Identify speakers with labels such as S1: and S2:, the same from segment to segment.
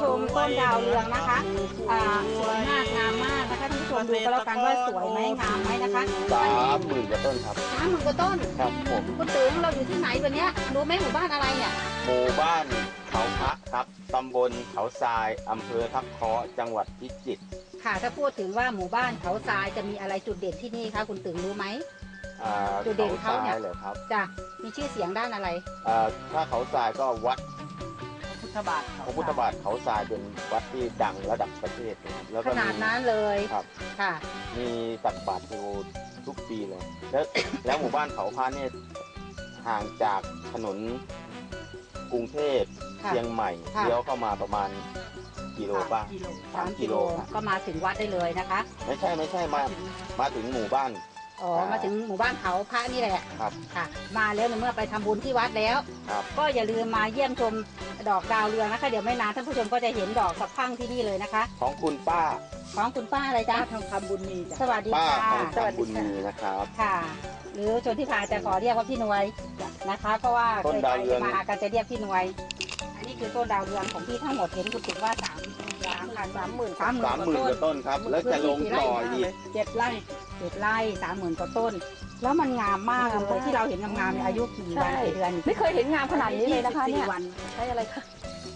S1: ชมต้นดาวเรืองนะคะสวยมากงามมากนะคะท่านผู้ชมดูก็แล้วกันว่าสวยไหมงามไหมนะคะ
S2: 30,000 กว่าต้นครับ
S1: 30,000 กว่าต้น
S2: ครับผม
S1: คุณตึงเราอยู่ที่ไหนวันนี้รู้ไหมหมู่บ้านอะไรเนี่ย
S2: หมู่บ้านเขาพระครับตำบลเขาทรายอำเภอทับเคาะจังหวัดพิจิตร
S1: ค่ะถ้าพูดถึงว่าหมู่บ้านเขาทรายจะมีอะไรจุดเด่นที่นี่คะคุณตึงรู้ไหมจุดเด่นเขาเนี่ย
S2: เหรอครับ
S1: จ้ะมีชื่อเสียงด้านอะไร
S2: ถ้าเขาทรายก็วัด
S1: พระพุทธบาท
S2: เขาทรายเป็นวัดที่ดังระดับประเทศแล้ว
S1: ขนาดนั้นเลย
S2: ครับ
S1: ค่ะ
S2: มีตักบาตรทุกปีเลยแล้วหมู่บ้านเขาพระเนี่ยห่างจากถนนกรุงเทพเชียงใหม่เลี้ยวเข้ามาประมาณกิโลป่ะ3 กิโล
S1: ก็มาถึงวัดได้เลยนะคะ
S2: ไม่ใช่มาถึงหมู่บ้าน
S1: มาถึงหมู่บ้านเขาพระนี่แหละ
S2: ครับ
S1: ค่ะมาแล้วเมื่อไปทำบุญที่วัดแล้วก็อย่าลืมมาเยี่ยมชมดอกดาวเรืองนะคะเดี๋ยวไม่นานท่านผู้ชมก็จะเห็นดอกสะพรั่งที่นี่เลยนะคะ
S2: ของคุณป้า
S1: อะไรจ๊ะ
S3: ทองคำบุญมีจ้ะ
S1: สวัสดีค่ะ
S2: สวัสดีค่ะนะครับ
S1: ค่ะหรือชนที่พาจะขอเรียกว่าพี่หน่วยนะคะเพราะว่าเคยไปมากันจะเรียกพี่หน่วยอันนี้คือต้นดาวเรืองของพี่ทั้งหมดเห็นคุณถึงว่า30,000 กว่า
S2: ต้นครับแล้วจะลงต่ออีก
S1: 7 ไร่30,000 กว่าต้นแล้วมันงามมากเลยที่เราเห็นงามๆในอายุกี่วันกี่เดือน
S3: ไม่เคยเห็นงามขนาดนี้เลยนะคะเนี่ย
S1: ใช้อะไรคะ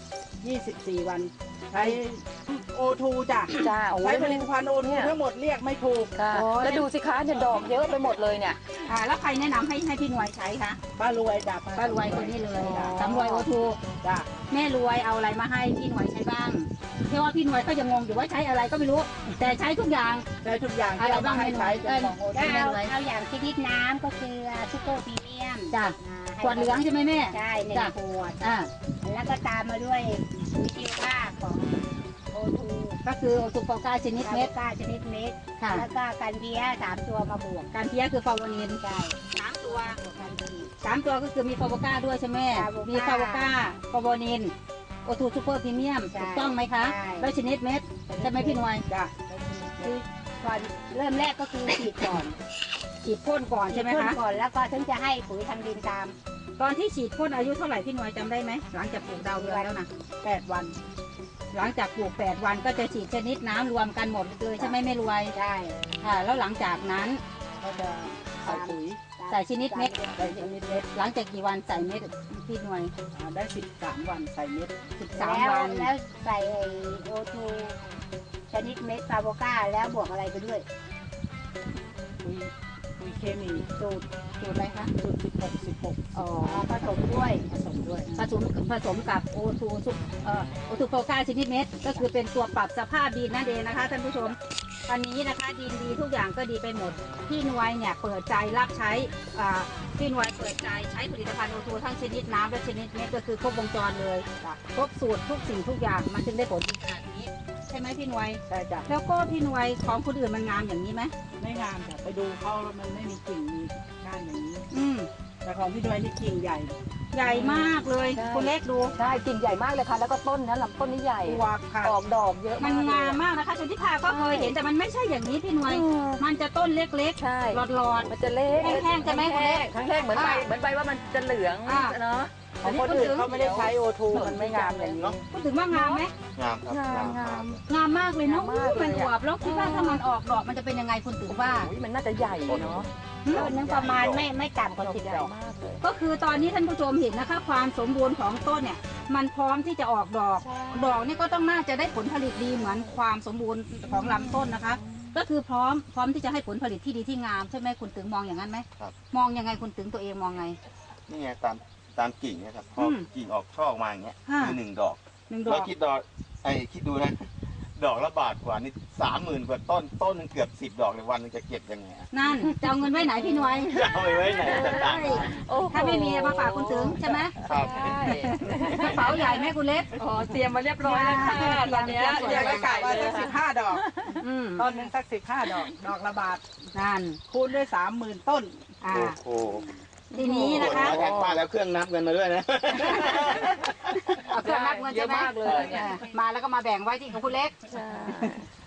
S3: 24 วันใช้O2 จ้ะใช้ผลิตภัณฑ์O2ทั้งหมดเรียกไม่ถูก
S1: แล้วดูสิคะเนี่ยดอกเยอะไปหมดเลยเนี่ยแล้วใครแนะนำให้พี่หน่วยใช้คะ
S3: ป้ารวยจ้ะ
S1: ป้ารวยคนนี้เลยสำรวยO2จ้ะแม่รวยเอาอะไรมาให้พี่หน่วยใช้บ้างเพราะว่าพี่หน่วยก็ยังงงอยู่ว่าใช้อะไรก็ไม่รู้แต่ใช้ทุกอย่าง
S3: อะไรบ้างให้ใช้
S1: เอาอย่างชนิดน้ำก็คือซุปเปอร์พรีเมียมจ้ะขวดเหลืองใช่ไหมแม่
S4: ใช่1 ขวดแล้วก็ตามมาด้วยปุ๋ยชีวภาพของO2
S1: ก็คือโอทูโฟก้าชนิดเม็ด
S4: แล้วก็กันเพี้ย3 ตัวมาบวก
S1: กันเพี้ยคือฟาวนิน
S4: ใช่
S1: 3 ตัว3 ตัวก็คือมีฟาวก้าด้วยใช่ไหมมีฟาวก้าฟาวนินโอทูซูเปอร์พรีเมียมถูกต้องไหมคะแล้วชนิดเม็ดใช่ไหมพี่หน่วย
S4: คือก่อนเริ่มแรกก็คือฉีด
S1: พ่นก่อนใช่ไหมคะ
S4: ก่อนแล้วก็ถึงจะให้ปุ๋ยทางดินตาม
S1: ตอนที่ฉีดพ่นอายุเท่าไหร่พี่หน่วยจำได้ไหมหลังจากปลูกดาวเรืองแล้วนะ
S3: 8 วัน
S1: หลังจากปลูก8 วันก็จะฉีดชนิดน้ำรวมกันหมดเลยใช่ไหมไม่รวย
S4: ใช่
S1: ค่ะแล้วหลังจากนั้น
S3: ก็จะใส่ปุ๋ย
S1: ใส่ชนิดเม็ดหลังจากกี่วันใส่เม็ดพี่หน่วย
S3: ได้13 วันใส่เม็ด
S1: 13 วัน
S4: แล้วใส่O2ชนิดเม็ดฟาโวก้าแล้วบวกอะไรไปด้วย
S3: ปุ๋ยเคมี
S1: สูตรอะไรคะ
S3: สูตร16
S4: ผสมด้วย
S1: ผสมกับO2โฟก้าชนิดเม็ดก็คือเป็นตัวปรับสภาพดินนั่นเองนะคะท่านผู้ชมตอนนี้นะคะดินดีทุกอย่างก็ดีไปหมดพี่หน่วยเนี่ยเปิดใจรับใช้พี่หน่วยเปิดใจใช้ผลิตภัณฑ์O2ทั้งชนิดน้ำและชนิดเม็ดก็คือครบวงจรเลยครบสูตรทุกสิ่งทุกอย่างมันจึงได้ผลดีขนาดนี้ใช่ไหมพี่หน่วย
S3: ใช่จ้ะ
S1: แล้วก็พี่หน่วยของคนอื่นมันงามอย่างนี้ไหม
S3: ไม่งามจ้ะไปดูเขาแล้วมันไม่มีกิ่งมีก้านอย่างนี้แต่ของพี่หน่วยนี่กิ่งใหญ่
S1: มากเลยคุณเล็กดู
S3: ใช่กิ่งใหญ่มากเลยค่ะแล้วก็ต้นนะลำต้นนี่ใหญ่ออกดอกเยอะ
S1: มันงามมากนะคะชนทิพาก็เคยเห็นแต่มันไม่ใช่อย่างนี้พี่หน่วยมันจะต้นเล็กๆหลอด
S3: มันจะเล็ก
S1: แห้งๆใช่ไหมคุณเล็ก
S3: แห้งเหมือนใบว่ามันจะเหลืองเนาะของคนอื่นเขาไม่ได้ใช้O2มันไม่งามอย่างนี้
S1: พูดถึงว่างามไหม
S2: งามครับ
S1: งามมากเลยเนาะมันอวบแล้วคิดว่าถ้ามันออกดอกมันจะเป็นยังไงคุณถึงว่า
S3: มันน่าจะใหญ่เนาะ
S4: ต้นนึงประมาณไม่ต่ำกว่า10 ดอก
S1: ก็คือตอนนี้ท่านผู้ชมเห็นนะคะความสมบูรณ์ของต้นเนี่ยมันพร้อมที่จะออกดอกนี่ก็ต้องน่าจะได้ผลผลิตดีเหมือนความสมบูรณ์ของลำต้นนะคะก็คือพร้อมที่จะให้ผลผลิตที่ดีที่งามใช่ไหมคุณถึงมองอย่างนั้นไหมมองยังไงคุณถึงตัวเองมองไง
S2: นี่ไงตามกิ่งนะครับพอกิ่งออกช่อออกมาอย่างเงี้ยคือ1 ดอกแล้วคิดดูนะดอกละบาทกว่านี่30,000 กว่าต้นนึงเกือบ10 ดอกในวันนึงจะเก็บยังไง
S1: นั่นจะเอาเงินไว้ไหนพี่หน่วย
S2: จะเอาไว้ไหนต่าง
S1: ๆถ้าไม่มีมาฝากคุณถึงใช่ไหม
S2: ครับ
S1: กระเป๋าใหญ่ไหมคุณเล็ก
S3: เตรียมมาเรียบร้อยแล้วค่ะตอนนี้ยังไม่ไก่ว่าสัก15 ดอกต้นนึงสัก15 ดอกละบาท
S1: นั่น
S3: คูณด้วย30,000 ต้น
S2: โอ้โห
S1: ทีนี้นะคะ
S2: แทนป้าแล้วเครื่องนับเงินมาด้วยนะ
S1: เอาเครื่องนับเงินจะมากเลยมาแล้วก็มาแบ่งไว้ที่ของคุณเล็ก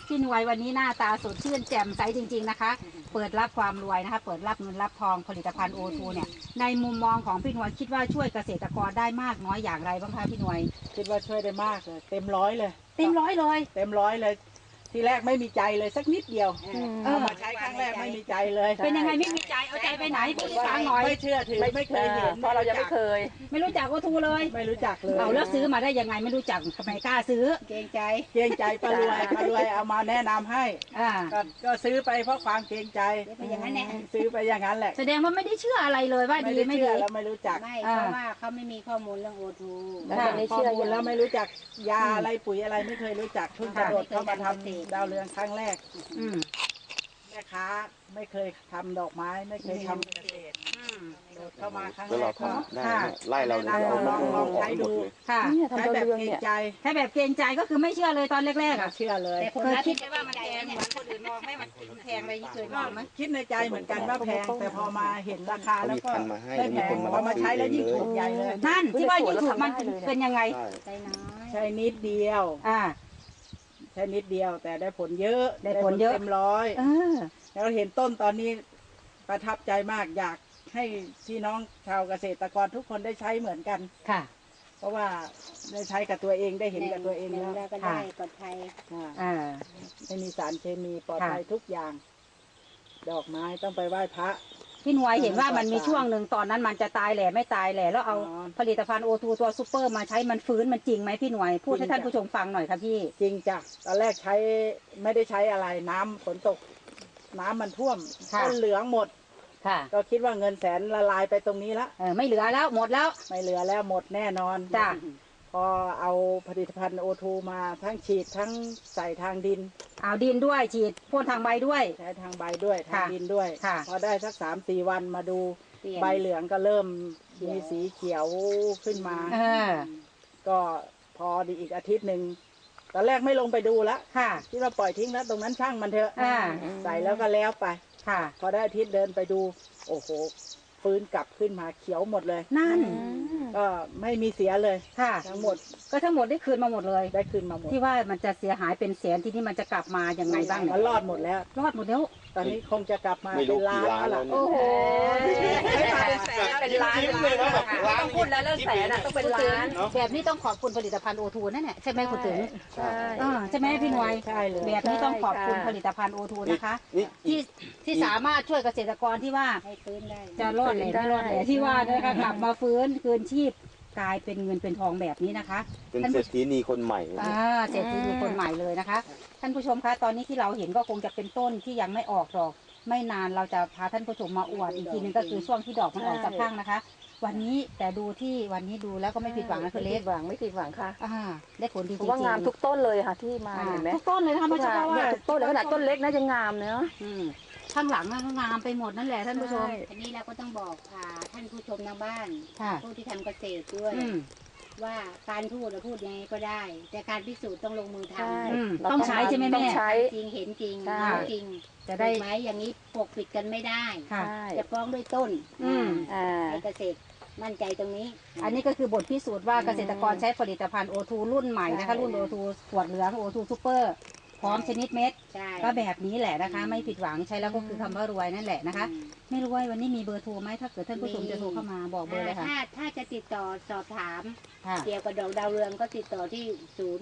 S1: พี่หน่วยวันนี้หน้าตาสดชื่นแจ่มใสจริงๆนะคะเปิดรับความรวยนะคะเปิดรับเงินรับทองผลิตภัณฑ์ O2 เนี่ยในมุมมองของพี่หน่วยคิดว่าช่วยเกษตรกรได้มากน้อยอย่างไรบ้างคะพี่หน่วย
S3: คิดว่าช่วยได้มากเลยเต็มร้อยเลย
S1: เต็มร้อยเลย
S3: เต็มร้อยเลย ทีแรกไม่มีใจเลยสักนิดเดียวเอามาใช้ครั้งแรกไม่มีใจเลย
S1: เป็นยังไงไม่มีใจเอาใจไปไหนพูดให้ฟังหน่อย
S3: ไม่เชื่อถือไม่เคยเห็น
S5: เพราะเรายังไม่เคย
S1: ไม่รู้จัก O2 เลย
S3: ไม่รู้จักเลย
S1: เอาแล้วซื้อมาได้ยังไงไม่รู้จักทำไมกล้าซื้อ
S4: เกรงใจ
S3: เกรงใจป้ารวยเอามาแนะนำให้
S1: อ่า
S3: ก็ซื้อไปเพราะความเกรงใจ
S4: เป็นอย่างนั้นแหละ
S3: ซื้อไปอย่างนั้นแหละ
S1: แสดงว่าไม่ได้เชื่ออะไรเลยว่าดีไม่
S3: เชื่
S1: ดี
S3: อแล้วไม่รู้จัก
S4: ไม่เพราะว่าเขาไม่มีข้อมูลเรื่องโอทู
S5: แล้วตอนนี้เชื่อ
S3: ข้อมูล
S5: ยัง
S3: แล้วไม่รู้จักยาอะไรปุ๋ยอะไรไม่เคยรู้จักเพิ่งกระโดดเข้ามาทำดาวเรืองครั้งแรก
S1: อืม
S3: แม่ค้าไม่เคยทำดอกไม้ไม่เคยทำเกษตรโดดเข้ามาครั้ง
S2: แล้ว
S3: แร
S2: เรา
S3: กก็
S2: ทำได้เนี่ยไล่เราเนี่ยเราเอา
S3: ลองใช้ดู
S1: ค่ะ
S5: เนี่ย
S3: ใช้
S5: ทำดาว
S3: แบบ
S5: เรือง
S3: เกรง
S5: เนี่ย
S3: ใจ
S1: แค่แบบเกรงใจก็คือไม่เชื่อเลยตอนแรกๆอ่ะ
S3: เชื่อเลย
S4: แต่ผล
S1: เคย
S4: ลัพธ์
S1: คิดไหมว่ามันแพงเหมือนคนอื่นมองไหมมันแพงอะไรที่เคยมองไหม
S3: คิดในใจเหมือนกันว่าแพงแต่พอมาเห็นราคา
S2: เขา
S3: แล้ว
S2: มี
S3: ก็
S2: พันธุ์มาให้
S3: ไม่
S2: แล้ว
S3: แพ
S2: มีคนมา
S3: งพอมาใช้แล้วยิ่งถูกใหญ่เลย
S1: นั่นที่ว่ายิ่งถูกมันเป็นยังไง
S2: ใช่
S4: ใจน้อย
S3: ใช้นิดเดียว
S1: อ่า
S3: ใช้นิดเดียวแต่ได้ผลเยอะ
S1: ได้ผลเยอะ
S3: เต็มร้อย
S1: เออ
S3: แล้วเห็นต้นตอนนี้ประทับใจมากอยากให้พี่น้องชาวเกษตรกรทุกคนได้ใช้เหมือนกัน
S1: ค่ะ
S3: เพราะว่าได้ใช้กับตัวเองได้เห็นกับตัวเอง
S4: หนึ่
S3: แล้ว
S4: แล้วก็ได้ปลอดภัย
S3: อ่า
S1: อ่า
S3: ไม่มีสารเคมีปลอด
S1: ค่ะ
S3: ภัยทุกอย่าง ดอกไม้ต้องไปไหว้พระ
S1: พี่หน่วยเห็นว่ามันมีช่วงหนึ่งตอนนั้นมันจะตายแหล่ไม่ตายแหล่แล้วเอา
S3: อ๋อ
S1: ผลิตภัณฑ์ O2 ตัวซูเปอร์มาใช้มันฟื้นมันจริงไหมพี่หน่วยพูดให้ท่านผู้ชมฟังหน่อยค่ะพี่
S3: จริงจ้ะตอนแรกใช้ไม่ได้ใช้อะไรน้ำฝนตก น้ำมันท่วม
S1: ค่ะ
S3: ต้นเหลืองหมด
S1: ค่ะ
S3: ก็คิดว่าเงินแสนละลายไปตรงนี้ละ
S1: ไม่เหลือแล้วหมดแล้ว
S3: ไม่เหลือแล้วหมดแน่นอน
S1: จ้ะ
S3: พอเอาผลิตภัณฑ์โอทูมาทั้งฉีดทั้งใส่ทางดิน
S1: เอาดินด้วยฉีดพ่นทางใบด้วย
S3: ใช้ทางใบด้วยทาง
S1: ค่ะ
S3: ดินด้วย
S1: ค่ะ
S3: พอได้สัก3-4 วันมาดู
S4: เปลี่ยน
S3: ใบเหลืองก็เริ่ม
S4: เขียว
S3: มีสีเขียวขึ้นมา
S1: เออ
S3: ก็พอดีอีกอาทิตย์หนึ่งตอนแรกไม่ลงไปดูละ
S1: ค่ะ
S3: ที่เราปล่อยทิ้งแล้วตรงนั้นช่างมันเถอะ
S1: อ่า
S3: ใส่แล้วก็แล้วไป
S1: ค่ะ
S3: พอได้อาทิตย์เดินไปดู โอ้โหฟื้นกลับขึ้นมาเขียวหมดเลย
S1: นั่น
S3: ก็ไม่มีเสียเลย
S1: ค่ะ
S3: ทั้งหมด
S1: ก็ทั้งหมดได้คืนมาหมดเลย
S3: ได้ขึ้นมาหมด
S1: ที่ว่ามันจะเสียหายเป็นแสนที่นี่มันจะกลับมายังไงบ้างเนี่ย
S3: มันรอดหมดแล้ว
S1: รอดหมดแล้ว
S3: ตอนนี้คงจะกลับมา
S2: ไม่
S3: เป็
S2: รู้
S3: นล้า
S2: กี่
S3: น
S2: ล้าน
S3: แล้ว
S2: แล้ว
S3: ล่ะ
S2: เนี่ย
S5: โอ้โห
S1: ไม่มาเป็นแสน
S5: เป็นล้าน
S2: ยิ้มเลยนะแบบล้าน
S5: ต้องพูดแล้วเรื่องแสนอ่ะต้องเป็นล้าน
S1: แบบนี้ต้องขอบคุณผลิตภัณฑ์ O2 นั่นแหละใช่ไหมคุณถึง
S5: ใช่
S1: ใช่ไหมพี่หน่วย
S3: ใช่เลย
S1: แบบนี้ต้องขอบคุณ
S5: ใช่ค่ะ
S1: ผลิตภัณฑ์ O2 นะคะ
S2: นี่
S1: ที่สามารถช่วยเกษตรกรที่ว่า
S4: ให้ฟื้นได้
S1: จะรอดแหล่ไม่รอดแหล่ที่ว่านะคะกลับมาฟื้นคืนชีพกลายเป็นเงินเป็นทองแบบนี้นะคะ
S2: เป็นเศรษฐีนีคนใหม่
S1: เศรษฐีมีคนใหม่เลยนะคะ ท่านผู้ชมคะตอนนี้ที่เราเห็นก็คงจะเป็นต้นที่ยังไม่ออกดอก ไม่นานเราจะพาท่านผู้ชมมาอวดอีกทีนึงก็คือช่วงที่ดอกมันออกสักพักนะคะ วันนี้แต่ดูที่วันนี้ดูแล้วก็ไม่ผิดหวังนะคุณเล็ก
S5: ไม่ผิดหวังไม่ผิดหวังค่ะ
S1: ได้ผลดีจ
S5: เพ
S1: ริ
S5: ราะ
S1: ง
S5: ว่างามทุกต้นเลยค่ะที่มาเห็นไหม
S1: ทุกต้นเลยนะคะไม่ใช่ว่า
S5: เนี่ยทุกต้นเลยขนาดต้นเล็กนะยังงามเนาะ
S1: ข้างหลังก็งามไปหมดนั่นแหละท่านผู้ชม
S4: ทีนี้เราก็ต้องบอกท่านผู้ชมทางบ้าน
S1: ค่ะ
S4: ผู้ที่ทำเกษตรด้วย ว่าการพูดเราพูดยังไงก็ได้ แต่การพิสูจน์ต้องลงมือท
S5: ใช่
S4: ำ
S1: ต้องใช้ใช่ไหมแม่
S5: ต้องใช้
S4: จริงเห็นจริง
S5: ใช่
S4: รู้จริง
S1: จะได้
S4: ถูกไหมอย่างนี้ปกปิดกันไม่ได้
S1: ค่ะ
S5: ใช่
S4: จะฟ้องด้วยต้น
S1: อืม
S5: อ่า
S4: ในเกษตรมั่นใจตรงนี้
S1: อันนี้ก็คือบทพิสูจน์ว่าเกษตรกรใช้ผลิตภัณฑ์ O2 รุ่นใหม่นะคะ รุ่น O2 ขวดเหลือง O2 Super พร้อมชนิดเม็ด
S4: ใช่
S1: ก็แบบนี้แหละนะคะ ไม่ผิดหวังใช้แล้วก็คือคำว่ารวยนั่นแหละนะคะ ไม่รู้ว่าวันนี้มีเบอร์โทรไหมถ้าเกิดท่านผู้ชมจะโทรเข้ามาบอกเบอร์เลยค่ะ
S4: ถ้าจะติดต่อสอบถาม
S1: ค่ะ
S4: เกี่ยวกับดอกดาวเรืองก็ติดต่อที่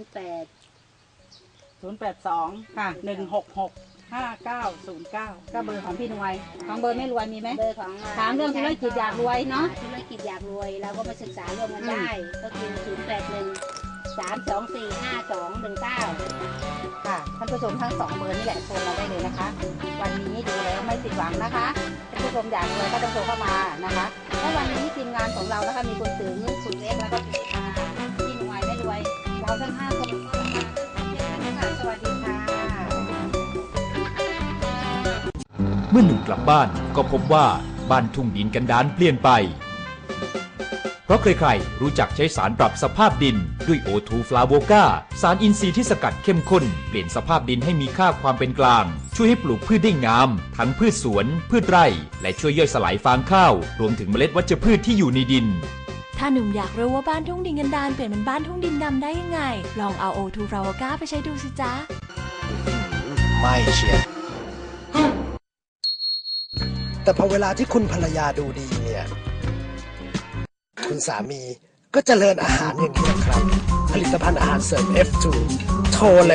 S3: 082
S1: ค่ะ
S3: 166 5909
S1: ก็เบอร์ของพี่หน่วยของเบอร์ไม่รวยมีไหม
S4: 08 เบอร์ของ
S1: ถามเรื่องธุรกิจอยากรวยเนาะ
S4: ธุรกิจอยากรวยเราก็มาศึกษาร่วมกันได้ ก็คือ 081 324 5219
S1: ค่ะท่านผู้ชมทั้ง2เบอร์นี่แหละโทรมาได้เลยนะคะ วันนี้ดูแล้วไม่ผิดหวังนะคะท่านผู้ชมอยากรวยก็ต้องโทรเข้ามานะคะและวันนี้ทีมงานของเรานะคะมีคุณตึงคุณเล็กแล้วก็พี่หน่วยไม่รวยเราทั้ง5คนก็มาค่ะสวัสดีค่ะ
S6: เมื่อหนุ่มกลับบ้านก็พบว่าบ้านทุ่งดินกันดารเปลี่ยนไป เพราะใครๆรู้จักใช้สารปรับสภาพดินด้วย O2 Flavoka สารอินทรีย์ที่สกัดเข้มข้นเปลี่ยนสภาพดินให้มีค่าความเป็นกลางช่วยให้ปลูกพืชได้งามทั้งพืชสวนพืชไร่และช่วยย่อยสลายฟางข้าวรวมถึงเมล็ดวัชพืชที่อยู่ในดิน
S7: ถ้าหนุ่มอยากรู้ว่าบ้านทุ่งดินกันดารเปลี่ยนเป็นบ้านทุ่งดินดำได้ยังไง ลองเอา O2 Flavoka ไปใช้ดูสิจ๊ะ
S8: ไม่เชียร์แต่พอเวลาที่คุณภรรยาดูดีเนี่ย คุณสามีก็เจริญอาหารอย่างนี้นะครับ ผลิตภัณฑ์อาหารเสริม F2 โทรเลย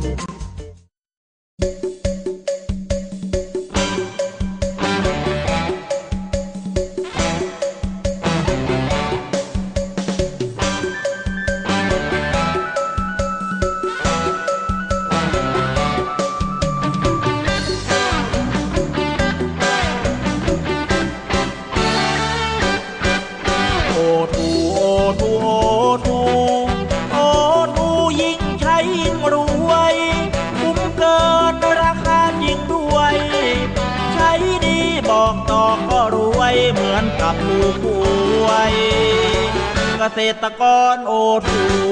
S9: โอทูโอทูโอทูโอทูยิ่งใช้ยิ่งรวยคุ้มเกินราคาจริงด้วย ใช้ดีบอกต่อก็รวยเหมือนกับลูกป่วยเกษตรกรโอทู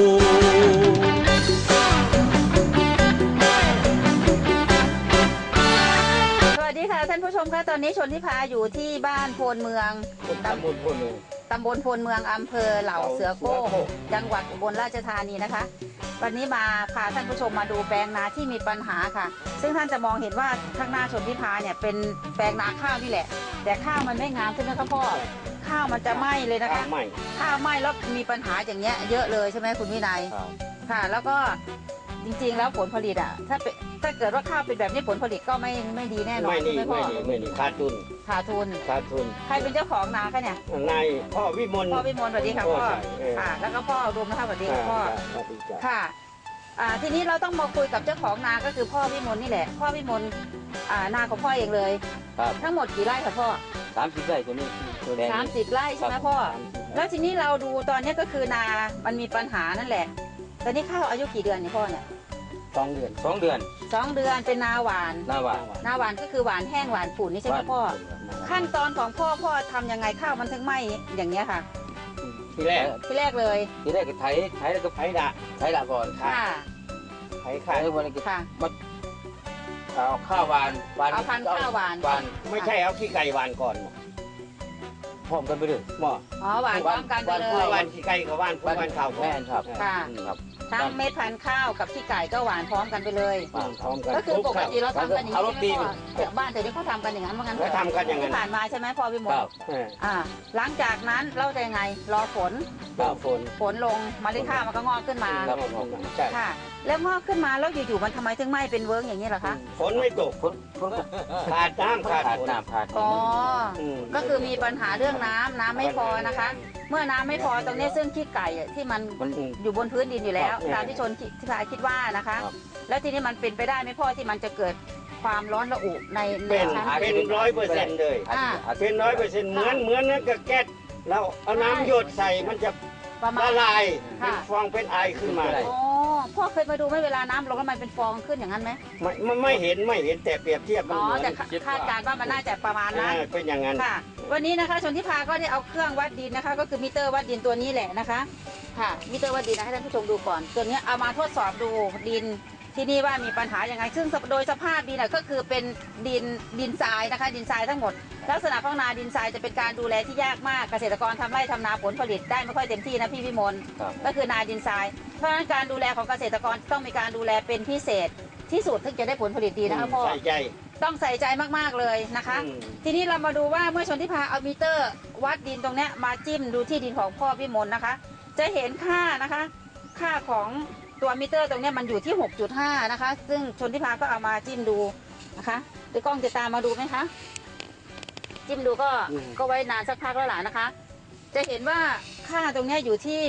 S1: สวัสดีค่ะท่านผู้ชมคะตอนนี้ชนทิพาอยู่ที่บ้านโพนเมืองตำบลโพนเมืองอำเภอเหล่าเสือโก้จังหวัดอุบลราชธานีนะคะ วันนี้มาพาท่านผู้ชมมาดูแปลงนาที่มีปัญหาค่ะ ซึ่งท่านจะมองเห็นว่าข้างหน้าชนทิพาเนี่ยเป็นแปลงนาข้าวนี่แหละ แต่ข้าวมันไม่งามใช่ไหมครับพ่อข้าวมันจะไหม้เลยนะคะข้าวไหม้แล้วมีปัญหาอย่างเงี้ยเยอะเลยใช่ไหมคุณวินัยค่ะ แล้วก็จริงๆแล้วผลผลิตอ่ะถ้าเกิดว่าข้าวเป็นแบบนี้ผลผลิตก็ไม่ดีแน่นอนใช่ไหมพ่อ
S2: ไม่ดีขาดทุน
S1: ใครเป็นเจ้าของนาคะเนี่ย
S2: นายพ่อวิมล
S1: สวัสดีค่ะพ่อค่ะ แล้วก็พ่ออุดมนะคะสวัสดีค่ะพ่อค่ะทีนี้เราต้องมาคุยกับเจ้าของนาก็คือพ่อวิมลนี่แหละพ่อวิมลนาของพ่อเองเลยทั้งหมดกี่ไร่คะพ่อ
S2: 30 ไร่ตัวนี้ตัวแดง
S1: 30 ไร่ใช่ไหมพ่อแล้วทีนี้เราดูตอนนี้ก็คือนามันมีปัญหานั่นแหละตอนนี้ข้าวอายุกี่เดือนเนี่ยพ่อเนี่ย
S2: 2 เดือน2 เดือน
S1: เป็นนาหวานก็คือหวานแห้งหวานฝุ่นนี่ใช่ไหมพ่อขั้นตอนของพ่อทำยังไงข้าวมันถึงไหมอย่างเงี้ยค่ะ
S2: ทีแรก
S1: เลย
S2: ก็ไถแล้วก็ไถด่าก่อนค่ะไถแล้ววันนี้ก็เอาข้าวหวาน
S1: เอาพันธุ์ข้าวหวาน
S2: ไม่ใช่เอาขี้ไก่หวานก่อนพร้อมกันไปเลยหม้อ
S1: หวานพร้อมกันไปเลย
S2: หวานขี้ไก่กับหวานข้าว
S1: แม่ครับค่ะทั้งเม็ดพันธุ์ข้าวกับขี้ไก่ก็หวานพร้อมกันไปเลยก็คือปกติเราทำกันอย่างนี้ใช่ไหมพ่อบ้านแต่นี่เขาทำกันอย่างนั้นเหมือนกัน
S2: ทำกันอย่างนั้น
S1: ที่ผ่านมาใช่ไหมพ่อวิมลหลังจากนั้นเราจะยังไงรอฝนลงเมล็ดข้าวมันก็งอกขึ้นมาค่ะแล้วงอกขึ้นมาแล้วอยู่ๆมันทำไมถึงไม่เป็นเวิร์กอย่างนี้เหรอคะ
S2: ฝนไม่ตกขาดน้ำ
S1: อ๋อก็คือมีปัญหาเรื่องน้ำไม่พอนะคะเมื่อน้ำไม่พอตรงนี้ซึ่งขี้ไก่ที่มันอยู่บนพื้นดินอยู่แล้วตามที่ชนที่พายคิดว่านะคะแล้วทีนี้มันเป็นไปได้ไหมพ่อที่มันจะเกิดความร้อนระอุใน
S2: ชั้นเป็น100%เลยเป็น100%เหมือนนั่นกับแก๊สเราเอาน้ำหยดใส่มันจะละลายเป็นฟองเป็นไอขึ้นมา
S1: อ๋อพ่อเคยมาดูไหมเวลาน้ำลงแล้วมันเป็นฟองขึ้นอย่างนั้นไหม
S2: ไม่เห็นแต่เปรียบเทียบมันเหมือน
S1: แต่คาดการณ์ว่ามันน่าจะประมาณนั้น
S2: เป็นอย่างนั้น
S1: ค่ะวันนี้นะคะชนทิพาก็ได้เอาเครื่องวัดดินนะคะก็คือมิเตอร์วัดดินตัวนี้แหละนะคะค่ะมิเตอร์วัดดินนะให้ท่านผู้ชมดูก่อนตัวนี้เอามาทดสอบดูดินที่นี่ว่ามีปัญหาอย่างไรซึ่งโดยสภาพดินก็คือเป็นดินทรายนะคะดินทรายทั้งหมดลักษณะของนาดินทรายจะเป็นการดูแลที่ยากมากเกษตรกรทำไร่ทำนาผลผลิตได้ไม่ค่อยเต็มที่นะพี่วิมลก็คือนาดินทรายเพราะฉะนั้นการดูแลของเกษตรกรต้องมีการดูแลเป็นพิเศษที่สุดถึงจะได้ผลผลิตดีนะคะพ่อต้องใส่ใจมากๆเลยนะคะทีนี้เรามาดูว่าเมื่อชนทิพาเอามิเตอร์วัดดินตรงนี้มาจิ้มดูที่ดินของพ่อวิมลนะคะจะเห็นค่านะคะค่าของตัวมิเตอร์ตรงนี้มันอยู่ที่ 6.5 นะคะซึ่งชนทิพาก็เอามาจิ้มดูนะคะเดี๋ยวกล้องจะตามมาดูไหมคะจิ้มดูก็ไว้นานสักพักแล้วล่ะนะคะจะเห็นว่าค่าตรงนี้อยู่ที่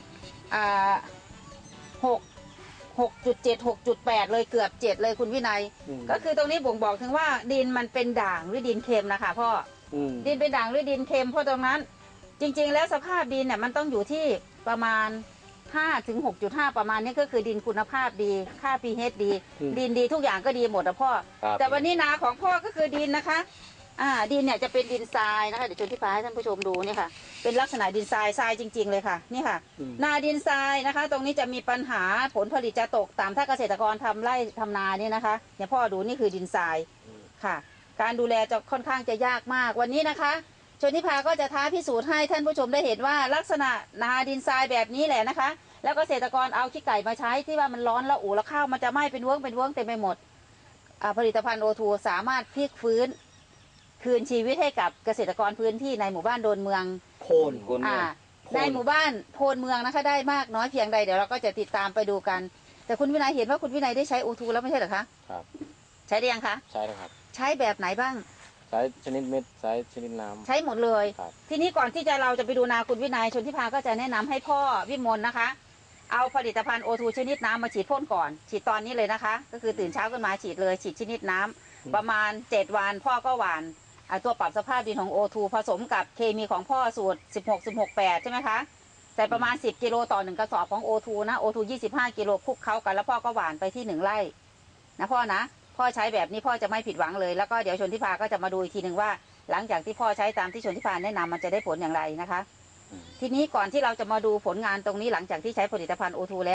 S1: 6.7 6.8 เลยเกือบ7เลยคุณวินัยก็คือตรงนี้บ่งบอกถึงว่าดินมันเป็นด่างหรือดินเค็มนะคะพ่อดินเป็นด่างหรือดินเค็มเพราะตรงนั้นจริงๆแล้วสภาพดินเนี่ยมันต้องอยู่ที่ประมาณ5 ถึง 6.5 ประมาณนี้ก็คือดินคุณภาพดีค่า pH ดีดินดีทุกอย่างก็ดีหมดนะพ่อแต่วันนี้นาของพ่อก็คือดินนะคะดินเนี่ยจะเป็นดินทรายนะคะเดี๋ยวชนทิพาให้ท่านผู้ชมดูเนี่ยค่ะเป็นลักษณะดินทรายจริงๆเลยค่ะนี่ค่ะนาดินทรายนะคะตรงนี้จะมีปัญหาผลผลิตจะตกต่ำถ้าเกษตรกรทำไร่ทำนาเนี่ยนะคะเนี่ยพ่อดูนี่คือดินทรายค่ะการดูแลจะค่อนข้างจะยากมากวันนี้นะคะชนทิพาก็จะท้าพิสูจน์ให้ท่านผู้ชมได้เห็นว่าลักษณะนาดินทรายแบบนี้แหละนะคะแล้วเกษตรกรเอาขี้ไก่มาใช้ที่ว่ามันร้อนละอุแล้วข้าวมันจะไหม้เป็นเวิ้งเต็มไปหมดผลิตภัณฑ์โอทูสามารถพลิกฟื้นคืนชีวิตให้กับเกษตรกรพื้นที่ในหมู่บ้านโดนเมือง
S8: โคน
S1: ในหมู่บ้านโพนเมืองนะคะได้มากน้อยเพียงใดเดี๋ยวเราก็จะติดตามไปดูกัน แต่คุณวินัยเห็นว่าคุณวินัยได้ใช้โอทูแล้วไม่ใช่เหรอคะ
S2: ครับ
S1: ใช้ได้ยังคะ
S2: ใช่แล้วครับ
S1: ใช้แบบไหนบ้าง
S2: ใช้ชนิดเม็ดใช้ชนิดน้ำ
S1: ใช้หมดเลย
S2: ครับ
S1: ทีนี้ก่อนที่เราจะไปดูนาคุณวินัยชนทิพาก็จะแนะนำให้พ่อวิมลนะคะ เอาผลิตภัณฑ์โอทูชนิดน้ำมาฉีดพ่นก่อน ฉีดตอนนี้เลยนะคะ ก็คือตื่นเช้าขึ้นมาฉีดเลยฉีดชนิดน้ำประมาณ7 วันพ่อก็หว่านตัวปรับสภาพดินของโอทูผสมกับเคมีของพ่อสูตร16-16-8ใช่ไหมคะใส่ประมาณ10 กิโลต่อ1 กระสอบของโอทูนะโอทู25 กิโลคลุกเข้ากันแล้วพ่อก็หว่านไปที่1 ไร่นะพ่อนะพ่อใช้แบบนี้พ่อจะไม่ผิดหวังเลยแล้วก็เดี๋ยวชนทิพาก็จะมาดูอีกทีหนึ่งว่า หลังจากที่พ่อใช้ตามที่ชนทิพาแนะนำมันจะได้ผลอย่างไรนะคะ ทีนี้ก่อนที่เราจะมาดูผลงานตรงนี้หลังจากที่ใช้ผลิตภัณฑ์โอทูแล้ว